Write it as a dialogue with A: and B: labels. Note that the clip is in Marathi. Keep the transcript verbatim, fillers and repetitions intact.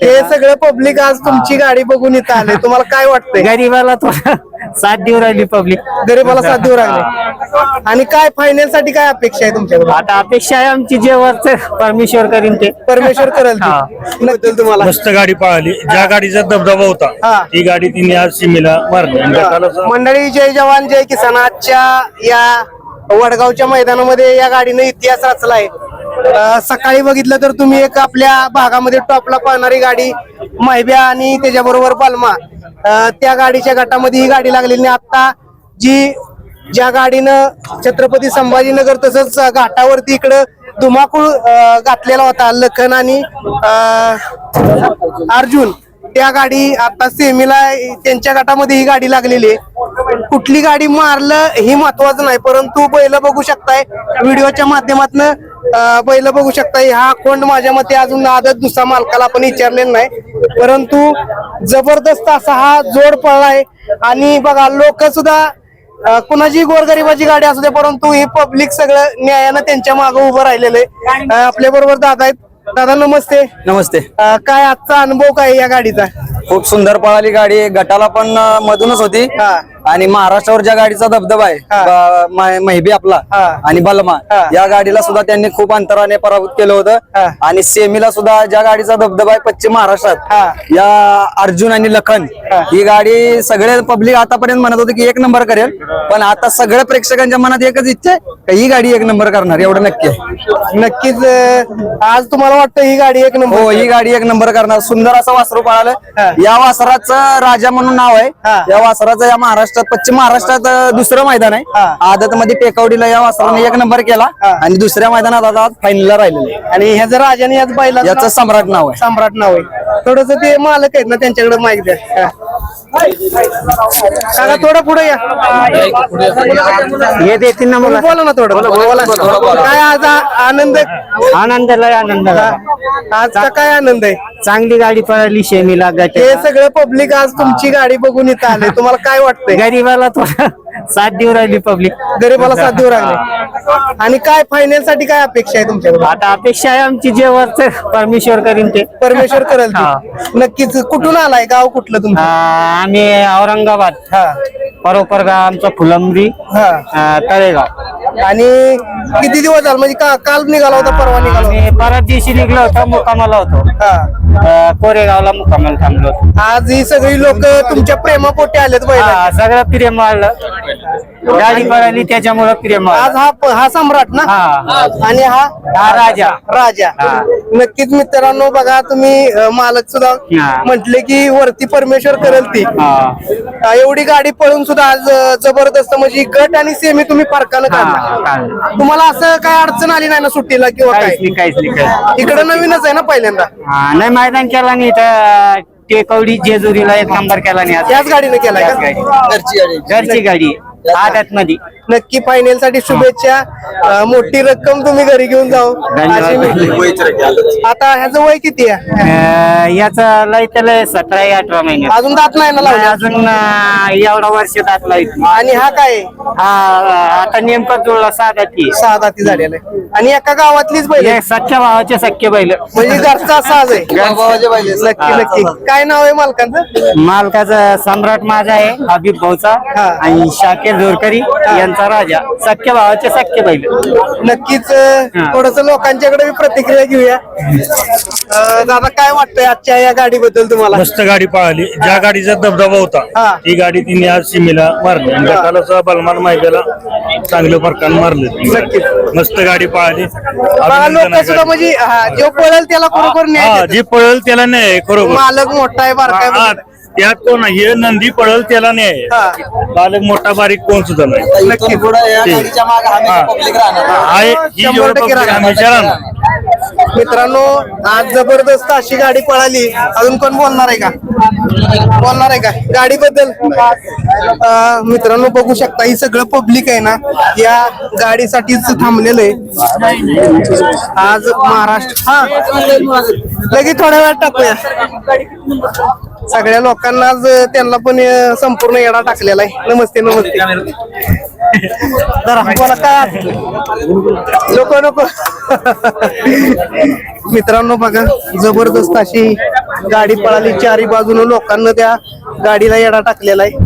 A: हे सगळं पब्लिक आज तुमची गाडी बघून इथं आले, तुम्हाला काय वाटतंय?
B: गरीबाला थोडा साथ देऊ राहिली पब्लिक,
A: गरीबाला साथ देऊ लागले. आणि काय फायनल साठी काय अपेक्षा आहे तुमच्याकडून?
B: आता अपेक्षा आहे आमची जे वरच परमेश्वर करीन ते
A: परमेश्वर करेल ते. नक्की तुम्हाला
C: मस्त गाडी पळाली. ज्या गाडीचा दबदबा
A: हा.
C: होता ती गाडी तिने आज सीमेला मारली.
A: मंडळी, जय जवान जय किसान. आजच्या या वडगावच्या मैदानामध्ये या गाडीने इतिहास रचलाय. अं, सकाळी बघितलं तर तुम्ही एक आपल्या भागामध्ये टॉपला पळणारी गाडी माहिब्या आणि त्याच्याबरोबर बलमा, अं, त्या गाडीच्या गटामध्ये ही गाडी लागलेली. आता जी ज्या गाडीनं छत्रपती संभाजीनगर तसंच घाटावरती इकडं धुमाकूळ अं, घातलेला होता लखन आणि अं, अर्जुन, त्या गाडी आता सेमीला त्यांच्या गटामध्ये ही गाडी लागलेली आहे. कुठली गाडी मारलं ही महत्वाचं नाही, परंतु बैल बघू शकताय व्हिडिओच्या माध्यमातून, बैल बघू शकताय. हा कोंड माझ्या मते अजून आदत दुसरा मालकाला आपण विचारलेला नाही, परंतु जबरदस्त असा हा जोड पळलाय. आणि बघा लोक सुद्धा कुणाची गोरगरिबाची गाडी असू दे, परंतु ही पब्लिक सगळं न्यायानं त्यांच्या मागे उभं राहिलेलं आहे. आपल्या बरोबर दादा आहेत. दादा नमस्ते.
D: नमस्ते.
A: अं, काय आजचा अनुभव काय या गाडीचा?
D: खूप सुंदर पळाली गाडी. गटाला पण अं, मधूनच होती. आणि महाराष्ट्रावर ज्या गाडीचा दबदबा आहे ब- मा- महिबी आपला आणि बलमा, या गाडीला सुद्धा त्यांनी खूप अंतराने पराभूत केलं होतं. आणि सेमीला सुद्धा ज्या गाडीचा दबदबा आहे पश्चिम महाराष्ट्रात, या अर्जुन आणि लखन, ही गाडी सगळे पब्लिक आतापर्यंत म्हणत होते की एक नंबर करेल, पण आता सगळ्या प्रेक्षकांच्या मनात एकच इच्छा आहे का ही गाडी एक नंबर करणार, एवढं नक्की आहे.
A: नक्कीच. अं, आज तुम्हाला वाटतं ही गाडी एक नंबर?
D: हो, ही गाडी एक नंबर करणार. सुंदर असं वासरू पळालं. या वासराचं राजा म्हणून नाव आहे. या वासराचं या महाराष्ट्रात पश्चिम महाराष्ट्रात अं, दुसरं मैदान आहे. आदत मध्ये टेकवडीला या वासराने एक नंबर केला आणि दुसऱ्या मैदानात आता फायनलला राहिलेलं आहे.
A: आणि ह्याचं राजाने याच बैला
D: याचं सम्राट नाव आहे.
A: सम्राट नाव आहे. थोडस ते मालक आहेत ना त्यांच्याकडे माहिती द्या. काका थोडं पुढे या.
B: हे देतील ना मला.
A: बोला ना थोडं. बोला. काय आज आ- आनंद
B: आनंदाला आनंद.
A: आजचा काय आनंद आहे?
B: चांगली गाडी पळाली शेमीला
A: हे
B: गट.
A: सगळं पब्लिक आज तुमची गाडी बघून इथं आले, तुम्हाला काय वाटतंय?
B: गरीबाला थोडा साथ देऊ राहिली पब्लिक,
A: गरीबाला साथ देऊ लागले. आणि काय फायनल साठी काय अपेक्षा आहे तुमच्याकडे?
B: आता अपेक्षा आहे आमची जे वरच परमेश्वर करीन ते.
A: परमेश्वर करेल ते. नक्कीच. कुठून आलाय? गाव कुठलं
B: आ,
A: तुमचं?
B: आम्ही औरंगाबाद, परोपर गाव आमचं फुलंब्री, आ, तळेगाव.
A: आणि किती दिवस झाले म्हणजे का- काल निघाला होता, परवा निघाला होता?
B: आम्ही परत दिवशी निघलो होतो, मुक्कामाला होतो.
A: हा.
B: आ, कोरेगावला मुक्कामाला थांबलो होतो.
A: आज ही सगळी लोक तुमच्या प्रेमापोटी आलेत बैल.
B: हा, सगळं प्रेम वाढलं. गाडी पळाली त्याच्यामुळं प्रेम वाढलं.
A: आज हा प- हा सम्राट ना,
B: हा.
A: आणि हा
B: हा राजा.
A: राजा. नक्कीच मित्रांनो, बघा तुम्ही अं, मालक सुद्धा
B: हा.
A: म्हटले की वरती परमेश्वर करेल ती.
B: हा.
A: अं, एवढी गाडी पळून सुद्धा आज अं, जबरदस्त म्हणजे गट आणि सेमी तुम्ही फरकानं
B: हा,
A: काढला.
B: काढलं.
A: तुम्हाला असं काय अडचण आली नाही ना सुट्टीला किंवा काय?
B: काहीच नाही, काहीच नाही, काहीच नाही.
A: इकडे नवीनच आहे ना पहिल्यांदा?
B: हा, नाही मैदान केला नाही तर टेकवडी जेजुरीला एक नंबर केला नाही. आज
A: याच गाडीने केलाय
B: याच
A: का?
B: गाडी.
D: घरची गाडी.
B: घरची गाडी आदत मध्ये.
A: नक्की फायनल साठी शुभेच्छा. अं, मोठी रक्कम तुम्ही घरी घेऊन जाऊ अशी मी- आता ह्याचं वय किती आहे?
B: याचा लय त्याला सतरा अठरा महिने
A: अजून दात नाही ना लावले?
B: अजून अं, एवढा वर्ष दाखला
A: आणि हा काय आहे?
B: हा आता नेमकं जुळला साधा ती
A: सहा दाती झालेला आहे. आणि एका गावातलीच बैल आहे?
B: सख्या भावाचे सख्य बैल.
A: म्हणजे घरचा साज आहे.
D: भावाचे पाहिजे.
A: नक्की नक्की. काय नाव आहे मालकांचं?
B: मालकाचा सम्राट माझा आहे, हबीब भाऊचा,
A: हा.
B: आणि शाकेर जोरकरी यांचा राजा. सख्य भावाचे सख्य बैल.
A: नक्कीच. थोडस लोकांच्याकडे मी प्रतिक्रिया घेऊया. अं, दादा काय वाटतंय आजच्या या गाडीबद्दल तुम्हाला?
C: मस्त गाडी पळाली. ज्या गाडीचा दबदबा
A: हा.
C: होता ती गाडी तिने आज सीमेला मारली. आणि गटाला सुद्धा बलमान माहिब्याला चांगलं फरकान मारलं.
A: नक्कीच.
C: मस्त गाडी पळाली.
A: बघा लोक
C: अभिनंदन आहे
A: सुद्धा म्हणजे हा, जो पळेल त्याला बरोबर न्याय
C: हा,
A: देतात.
C: जी पळल त्याला नाही खरोखर.
A: मालक मोठा आहे बारका
C: हा,
A: आहे.
C: त्यात कोण हे नंदी पळल त्याला नाही.
A: हा.
C: बालक मोठा बारीक कोण सुद्धा नाही.
D: इथून पुढे या गाडीच्या मागे हमेशा पब्लिक राहणार.
C: आहे ही
A: शंभर
C: जेवढं
A: टक्के
C: public
A: राहणार.
C: हमेशा राहणार.
A: मित्रांनो, आज जबरदस्त अशी गाडी पळाली. अजून कोण बोलणार आहे का? बोलणार आहे का गाडीबद्दल? अं, मित्रांनो बघू शकता ही सगळं पब्लिक आहे ना या गाडीसाठीच थांबलेलं आहे आज महाराष्ट्र. हा लगेच थोड्या वेळात टाकूया. सगळ्या लोकांना आज त्यांना पण अं, संपूर्ण येडा टाकलेला आहे. नमस्ते नमस्ते. जरा बोला काय नको नको मित्रांनो बघा जबरदस्त अशी गाडी पळाली चारी बाजूने लोकांना त्या गाडीला येडा टाकलेला आहे